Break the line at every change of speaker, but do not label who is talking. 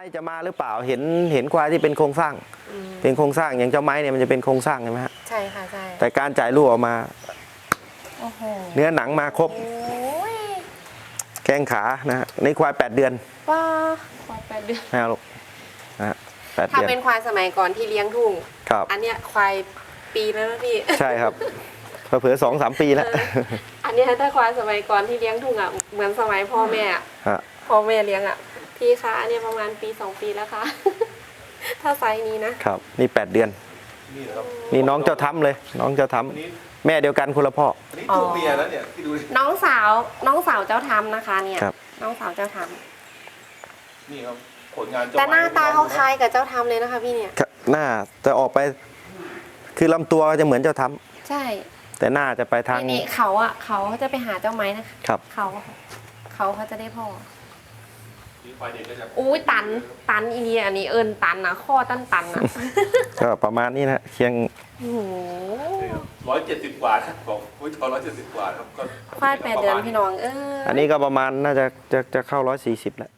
จะมาหรือเปล่าเห็นควายที่เป็นโครงสร้างเป็นโครงสร้างอย่างเจ้าไม้เนี่ยมันจะเป็นโครงสร้างใช่ไหมฮะ
ใช่ค่ะใช่
แต่การจ่ายลูกออกมา
โอ้โห
เนื้อหนังมาครบ
โอ้ย
แข้งขานะฮะนี่ควาย8 เดือน
ว้าควาย8 เดือน
นะลูกนะฮะ8
ถ้า
เดือน
เป็นควายสมัยก่อนที่เลี้ยงทุ่ง
ครับ
อันเนี้ยควายปีแล้วนะพี่
ใช่ครับเผลอๆ2-3 ปีแล้ว
อันเนี้ยถ้าควายสมัยก่อนที่เลี้ยงทุ่งอ่ะเหมือนสมัยพ่อแม่อะ
ฮะ
พ่อแม่เลี้ยงอ่ะพี่คะอันเนี้ยประมาณปี2 ปีแล้วค่ะ ถ้าไซส์นี้นะครับ
นี่8 เดือน
นี่นะครับ
นี่น้องเจ้าทำเลย น้องเจ้าท
อันนี้
ำแม่เดียวกันคนละพ่อ
อันนี้ตัวเมียแล้วเนี่ยที่ดูดิ
น้องสาวเจ้าทำนะคะเนี่ย
ครับ
น้องสาวเจ้าท
นี่ครับผลงาน
ำ
เจ้า
แต่หน้าตาเขา
ไม้
คล้ายกับเจ้าทำเลยนะคะพี่เนี่ย
หน้าจะออกไป คือลำตัวจะเหมือนเจ้าท
ใช่
ำแต่หน้าจะไปทาง
นี่เขาจะไปหาเจ้าไม้นะคะ
ครับ
เขาจะได้พ่อ
นี่ควายเด็กก็จะ
อุ้ยตันอีเนี่ยอันนี้เอิญตันนะข้อตันอ่ะ
ก็ประมาณนี้นะเคียง
โอ้โห
170 กว่าครับบอกอุ้ยทอ170 กว่าครับก็
ควาย8 เดือนพี่น้อง
อันนี้ก็ประมาณน่าจะเข้า140แล้ว